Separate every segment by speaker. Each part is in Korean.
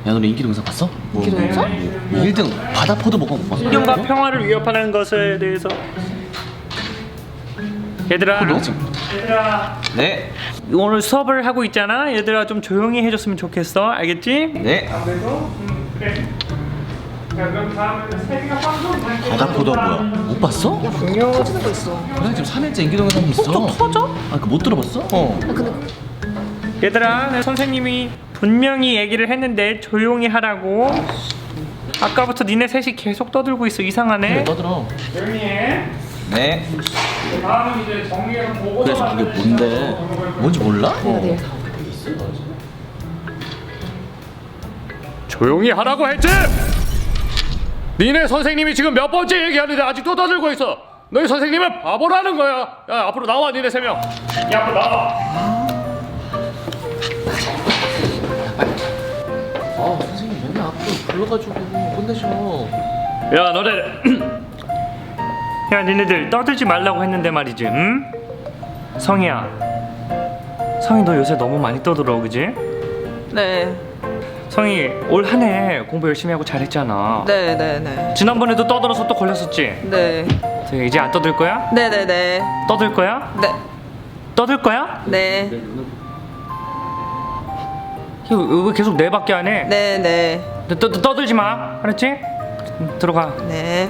Speaker 1: 야, 너네 인기 동영상 봤어?
Speaker 2: 인기 동영상?
Speaker 1: 1등 바다포도 먹어 못 봤어?
Speaker 3: 환경과 평화를 위협하는 것에 대해서. 얘들아, 얘들아,
Speaker 1: 네.
Speaker 3: 오늘 수업을 하고 있잖아. 얘들아 좀 조용히 해줬으면 좋겠어. 알겠지?
Speaker 1: 네.
Speaker 3: 그래. 자, 그럼 다음에는 세계가 방송.
Speaker 1: 바다포도 뭐야? 못 봤어?
Speaker 2: 분명 터지는 거 있어.
Speaker 1: 그래, 지금 3일째 인기 동영상이 있어.
Speaker 2: 톡톡 터져?
Speaker 1: 아, 그거 못 들어봤어? 어.
Speaker 2: 아 근데
Speaker 3: 얘들아, 내 선생님이 분명히 얘기를 했는데 조용히 하라고. 아까부터 니네 셋이 계속 떠들고 있어. 이상하네.
Speaker 1: 떠들어.
Speaker 3: 조용히 해.
Speaker 1: 네.
Speaker 3: 다음은 이제 정리해서 보고서.
Speaker 1: 그래서 그게 뭔데? 뭔지 몰라?
Speaker 2: 내가
Speaker 3: 조용히 하라고 했지? 니네 선생님이 지금 몇 번째 얘기하는데 아직도 떠들고 있어. 너희 선생님은 바보라는 거야. 야, 앞으로 나와. 니네 3명. 야, 앞으로 나와.
Speaker 1: 아, 선생님 맨날 앞으로 불러가지고 혼내셔.
Speaker 3: 야, 너네. 야, 니네들 떠들지 말라고 했는데 말이지. 응? 성희야. 성희 너 요새 너무 많이 떠들어, 그지?
Speaker 2: 네.
Speaker 3: 성희 올 한 해 공부 열심히 하고 잘했잖아.
Speaker 2: 네네네.
Speaker 3: 지난번에도 떠들어서 또 걸렸었지?
Speaker 2: 네.
Speaker 3: 이제 안 떠들 거야?
Speaker 2: 네네네.
Speaker 3: 떠들 거야?
Speaker 2: 네.
Speaker 3: 떠들 거야?
Speaker 2: 네.
Speaker 3: 왜 계속 네 밖에 안 해?
Speaker 2: 네네.
Speaker 3: 떠들지 마. 알았지? 들어가.
Speaker 2: 네.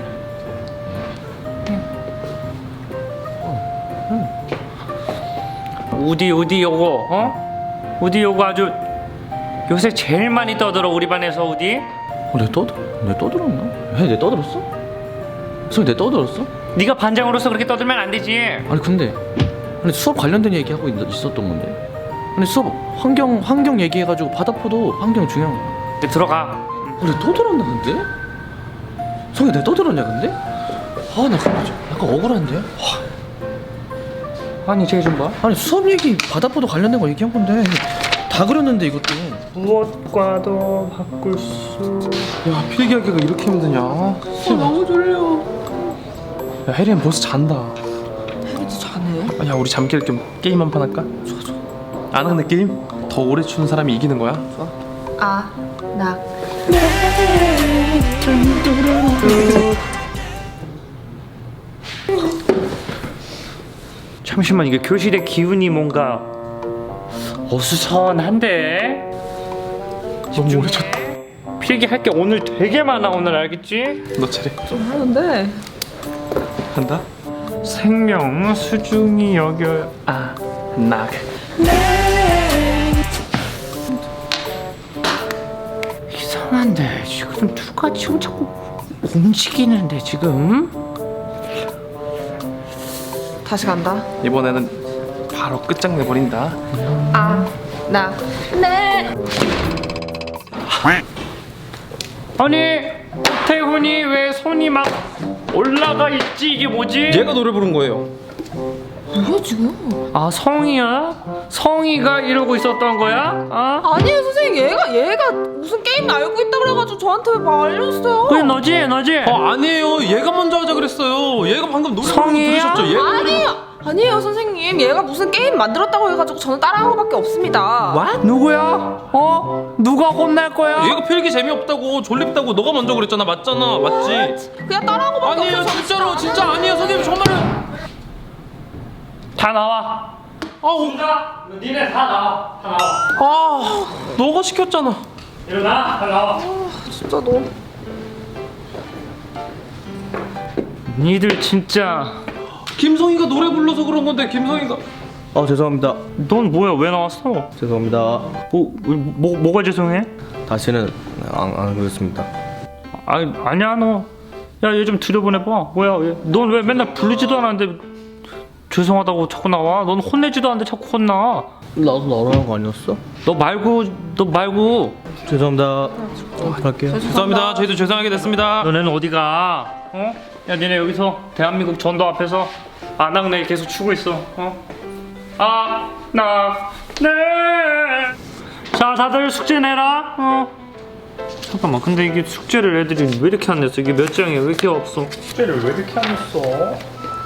Speaker 3: 우디 요거 어? 우디 요거 아주 요새 제일 많이 떠들어 우리 반에서. 우디
Speaker 1: 내가 떠들었나? 해, 내가 떠들었어? 선생님, 내가 떠들었어?
Speaker 3: 네가 반장으로서 그렇게 떠들면 안 되지.
Speaker 1: 아니 근데 수업 관련된 얘기하고 있었던 건데. 아니 수업 환경 얘기해가지고 바다포도 환경 중요한 거.
Speaker 3: 이제 들어가.
Speaker 1: 내가 떠들었나 근데? 성희, 내가 떠들었냐 근데? 아, 나 근데 좀 약간 억울한데?
Speaker 3: 아니 쟤 좀 봐.
Speaker 1: 아니 수업 얘기 바다포도 관련된 거 얘기한 건데 다 그렸는데 이것도.
Speaker 3: 무엇과도 바꿀 수.
Speaker 4: 야, 필기하기가 이렇게 힘드냐?
Speaker 1: 너무 졸려.
Speaker 4: 야, 혜리는 벌써 잔다.
Speaker 2: 혜리도 자네.
Speaker 4: 아, 야, 우리 잠결 겸 게임 한 판 할까? 좋아. 안 하는 게임? 더 오래 추는 사람이 이기는 거야?
Speaker 2: 아, 나.
Speaker 3: 잠시만, 이게 교실의 기운이 뭔가 어수선한데.
Speaker 4: 너무 오래 쳤다.
Speaker 3: 필기할 게 오늘 되게 많아. 오늘 알겠지?
Speaker 4: 너 차례.
Speaker 2: 좀 하는데.
Speaker 4: 한다?
Speaker 3: 생명 수중이 여겨.
Speaker 4: 낙.
Speaker 3: 이상한데 지금 누가 지금 자꾸 움직이는데 지금?
Speaker 2: 다시 간다.
Speaker 4: 이번에는 바로 끝장내버린다.
Speaker 2: 아, 나. 네.
Speaker 3: 아니 태훈이 왜 손이 막 올라가 있지? 이게 뭐지?
Speaker 4: 얘가 노래 부른 거예요.
Speaker 2: 뭐야 지금?
Speaker 3: 아, 성희야? 성희가 이러고 있었던 거야?
Speaker 2: 아니에요 선생님. 얘가 무슨 게임 알고 있다 그래가지고 저한테 막 알려줬어요.
Speaker 3: 그래 너지?
Speaker 4: 아니에요. 얘가 먼저 하자 그랬어요. 얘가 방금 노래 부른 거
Speaker 3: 성희야?
Speaker 4: 들으셨죠?
Speaker 2: 아니에요 선생님. 얘가 무슨 게임 만들었다고 해가지고 저는 따라한 거밖에 없습니다.
Speaker 3: 누구야? 누가 혼날 거야?
Speaker 4: 얘가 필기 재미없다고 졸립다고 너가 먼저 그랬잖아. 맞잖아. 맞지?
Speaker 2: 그냥 따라한 거밖에
Speaker 4: 아니에요.
Speaker 2: 없어서
Speaker 4: 진짜로. 진짜 아니에요. 선생님 정말은.
Speaker 3: 다 나와. 진짜? 니네 다 나와. 다 나와.
Speaker 4: 너가 시켰잖아.
Speaker 3: 일어나. 다 나와.
Speaker 2: 진짜 너.
Speaker 3: 니들 진짜.
Speaker 4: 김성희가 노래 불러서 그런 건데 김성희가.
Speaker 1: 죄송합니다.
Speaker 3: 넌 뭐야? 왜 나왔어?
Speaker 1: 죄송합니다.
Speaker 3: 뭐가 죄송해?
Speaker 1: 다시는 안 그렇습니다.
Speaker 3: 아니야 너. 야, 얘 좀 들여보내봐. 뭐야? 넌 왜 맨날 부르지도 않았는데 죄송하다고 자꾸 나와? 넌 혼내지도 않는데 자꾸 혼나.
Speaker 1: 나도 너라는 거 아니었어?
Speaker 3: 너 말고.
Speaker 1: 죄송합니다. 할게요.
Speaker 4: 죄송합니다. 저희도 죄송하게 됐습니다.
Speaker 3: 너네는 어디 가? 야, 니네 여기서 대한민국 전도 앞에서 안악내 계속 추고 있어. 네. 자, 다들 숙제 내라. 잠깐만, 근데 이게 숙제를 애들이 왜 이렇게 안 냈어? 이게 몇 장이야? 왜 이렇게 없어? 숙제를 왜 이렇게 안 냈어?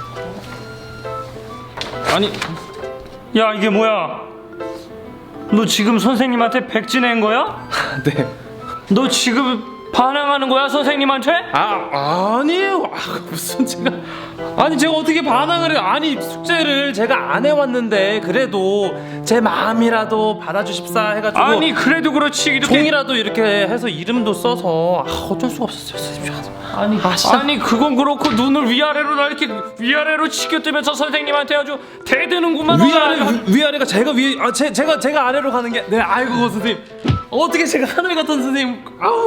Speaker 4: 아니,
Speaker 3: 야, 이게 뭐야? 너 지금 선생님한테 백지 낸 거야?
Speaker 4: 네.
Speaker 3: 너 지금 반항하는 거야 선생님한테?
Speaker 4: 아니에요. 무슨 제가 어떻게 반항을 해요? 아니 숙제를 제가 안 해왔는데 그래도 제 마음이라도 받아주십사 해가지고
Speaker 3: 아니 그래도 그렇지 이렇게
Speaker 4: 종이라도 이렇게 해서 이름도 써서 어쩔 수가 없었어요 선생님.
Speaker 3: 아니 그건 그렇고 눈을 위아래로 나 이렇게 위아래로 치켜뜨면서 선생님한테 아주 대드는구만.
Speaker 4: 위아래가 제가 제가 아래로 가는 게 네 아이고 선생님 어떻게 제가 하늘 같은 선생님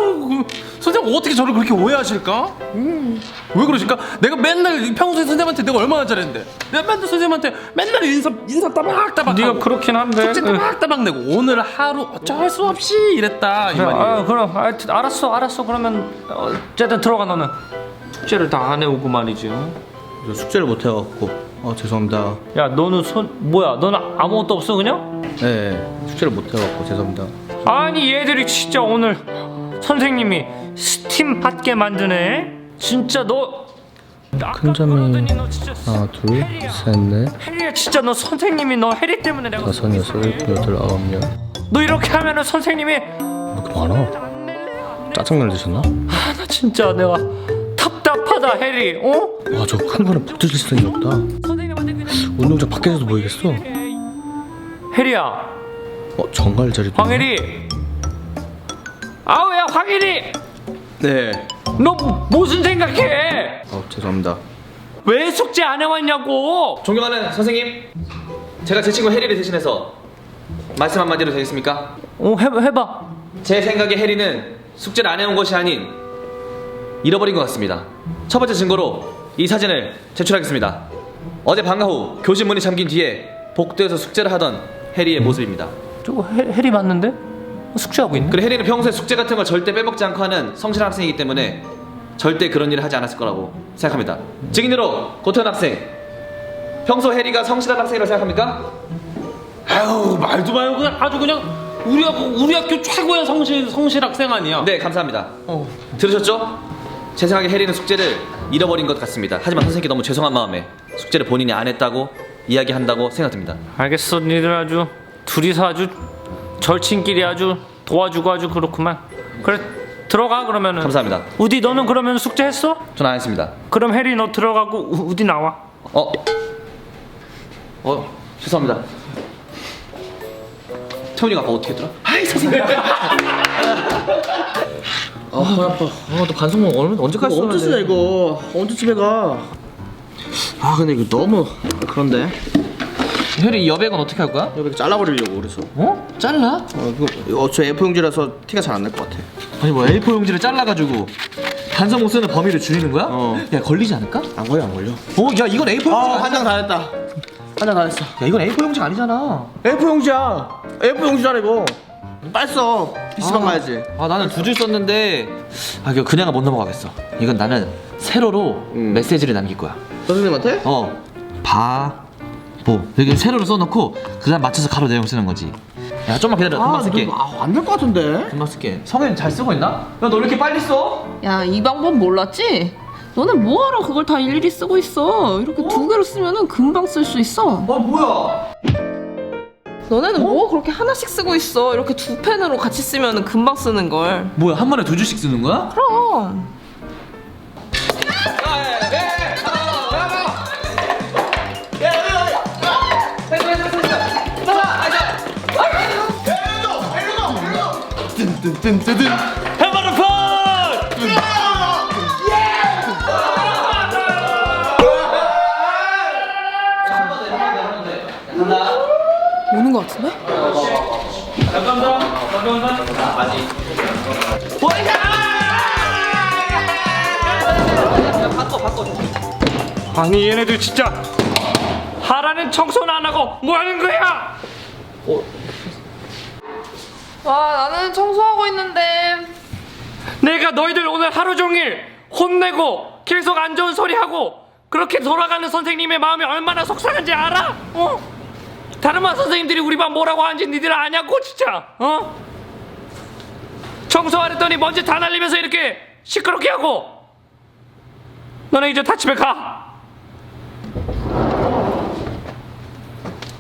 Speaker 4: 선생님 어떻게 저를 그렇게 오해하실까? 왜 그러실까? 내가 맨날 평소에 선생님한테 내가 얼마나 잘했는데 내가 맨날 선생님한테 맨날 인사 따박따박
Speaker 3: 네가
Speaker 4: 하고
Speaker 3: 그렇긴 한데
Speaker 4: 숙제 따박따박 내고 오늘 하루 어쩔 수 없이 이랬다 이
Speaker 3: 그래,
Speaker 4: 말이에요.
Speaker 3: 그럼 하여튼 알았어 그러면 어쨌든 들어가. 너는 숙제를 다 안 해오고 말이지.
Speaker 1: 저 숙제를 못 해갖고 죄송합니다.
Speaker 3: 야 너는 뭐야 너는 아무것도 없어 그냥?
Speaker 1: 네, 숙제를 못 해갖고 죄송합니다.
Speaker 3: 아니 얘들이 진짜 오늘 선생님이 스팀 받게 만드네. 진짜 너
Speaker 1: 큰 점이 하나, 둘, 셋, 넷,
Speaker 3: 혜리야 진짜 너 선생님이 너 혜리 때문에 내가
Speaker 1: 다섯, 여섯, 일곱, 여덟, 아홉, 열.
Speaker 3: 너 이렇게 하면은 선생님이
Speaker 1: 이렇게 많아? 짜증날 드셨나?
Speaker 3: 나 진짜 내가 답답하다 혜리.
Speaker 1: 와, 저 큰 거는 못 드실 생이 없다.
Speaker 3: 선생님한테 그냥
Speaker 1: 운동장 밖에서도 보이겠어?
Speaker 3: 혜리야
Speaker 1: 정갈 자리도.
Speaker 3: 황혜리. 아우 야 황혜리
Speaker 1: 네.
Speaker 3: 너 무슨 생각해?
Speaker 1: 죄송합니다.
Speaker 3: 왜 숙제 안 해왔냐고.
Speaker 5: 존경하는 선생님, 제가 제 친구 혜리를 대신해서 말씀 한마디로 되겠습니까?
Speaker 3: 해봐.
Speaker 5: 제 생각에 혜리는 숙제를 안 해온 것이 아닌 잃어버린 것 같습니다. 첫 번째 증거로 이 사진을 제출하겠습니다. 어제 방과 후 교실 문이 잠긴 뒤에 복도에서 숙제를 하던 혜리의 모습입니다.
Speaker 3: 저거 혜리 맞는데? 숙제하고 있네.
Speaker 5: 그리고 혜리는 평소에 숙제 같은 걸 절대 빼먹지 않고 하는 성실한 학생이기 때문에 절대 그런 일을 하지 않았을 거라고 생각합니다. 증인으로 고태현 학생, 평소 혜리가 성실한 학생이라고 생각합니까?
Speaker 4: 아유 말도 마요. 그냥 아주 그냥 우리 학교 최고의 성실 학생 아니야?
Speaker 5: 네, 감사합니다. 들으셨죠? 제 생각에 혜리는 숙제를 잃어버린 것 같습니다. 하지만 선생님께 너무 죄송한 마음에 숙제를 본인이 안 했다고 이야기한다고 생각됩니다.
Speaker 3: 알겠어. 니들 아주 둘이서 아주 절친끼리 아주 도와주고 아주 그렇구만. 그래 들어가 그러면은.
Speaker 5: 감사합니다.
Speaker 3: 우디 너는 그러면 숙제했어?
Speaker 5: 전 안 했습니다.
Speaker 3: 그럼 혜리 너 들어가고 우디 나와.
Speaker 5: 죄송합니다. 태훈이가 아까 어떻게 했더라? 아이 선생님.
Speaker 1: 허리 아파. 너 반성문 언제까지 써야 돼?
Speaker 6: 언제 쓰냐 이거? 언제 집에 가? 근데 이거 너무 그런데.
Speaker 5: 혜리 여백은 어떻게 할 거야?
Speaker 6: 여기 잘라버리려고 그래서.
Speaker 5: 잘라?
Speaker 6: 저 A4 용지라서 티가 잘 안 날 것 같아.
Speaker 5: 아니 뭐 A4 용지를 잘라가지고 반성문 쓰는 범위를 줄이는 거야? 야 걸리지 않을까?
Speaker 6: 안 걸려.
Speaker 5: 야 이건 A4 용지가
Speaker 6: 한 장 다 했다. 한 장 다 했어.
Speaker 5: 야 이건 A4 용지가 아니잖아.
Speaker 6: A4 용지야. A4 용지잖아 이거. 빨리 써. PC방 가야지.
Speaker 5: 나는 두 줄 썼는데 이거 그냥은 못 넘어가겠어. 이건 나는 세로로 메시지를 남길 거야.
Speaker 6: 선생님한테?
Speaker 5: 바보 여기 세로로 써놓고 그다음 맞춰서 가로 내용 쓰는 거지. 야 좀만 기다려. 금방 쓸게.
Speaker 6: 안 될 것 같은데.
Speaker 5: 금방 쓸게. 성현 잘 쓰고 있나? 야 너 왜 이렇게 빨리 써?
Speaker 2: 야, 이 방법 몰랐지? 너는 뭐하러 그걸 다 일일이 쓰고 있어? 이렇게 두 개로 쓰면은 금방 쓸 수 있어.
Speaker 5: 뭐야?
Speaker 2: 너네는 뭐 그렇게 하나씩 쓰고 있어? 이렇게 두 펜으로 같이 쓰면은 금방 쓰는 걸.
Speaker 5: 뭐야 한 번에 두 줄씩 쓰는 거야?
Speaker 2: 그럼. 오는 것 같은데?
Speaker 3: 아니 얘네들 진짜 하라는 청소는 안 하고 뭐 하는 거야?
Speaker 2: 와, 나는 청소하고 있는데.
Speaker 3: 내가 너희들 오늘 하루 종일 혼내고 계속 안 좋은 소리 하고 그렇게 돌아가는 선생님의 마음이 얼마나 속상한지 알아? 다른 반 선생님들이 우리 반 뭐라고 하는지 니들 아냐고 진짜. 청소하랬더니 먼지 다 날리면서 이렇게 시끄럽게 하고. 너네 이제 다 집에 가.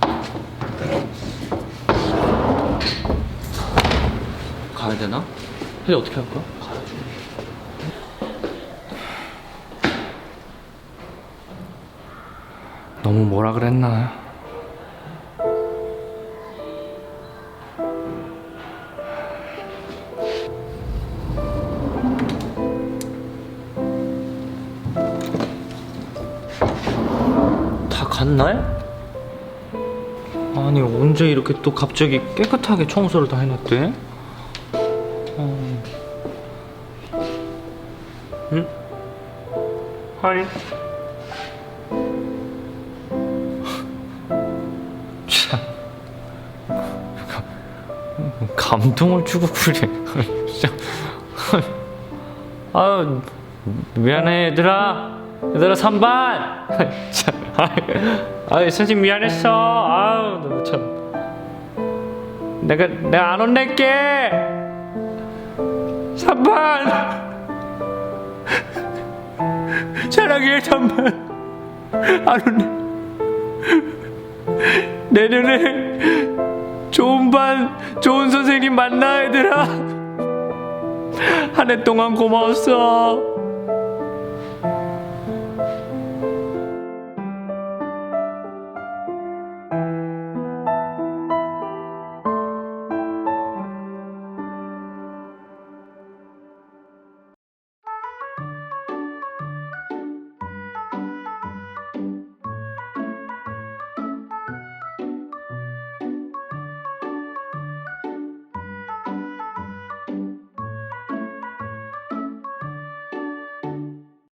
Speaker 5: 가야 되나?
Speaker 1: 이제 어떻게 할 거야?
Speaker 3: 너무 뭐라 그랬나?
Speaker 1: 다 갔나요? 아니 언제 이렇게 또 갑자기 깨끗하게 청소를 다 해놨대? 응? 아니 참 감동을 주고 그래. 진짜. 아유 미안해 얘들아 3반. 아유 선생님 미안했어. 아유 너 참. 내가 안 혼낼게. 3반. 사랑해 3반. 안 혼내. 내년에 좋은 반 좋은 선생님 만나 얘들아. 한 해 동안 고마웠어.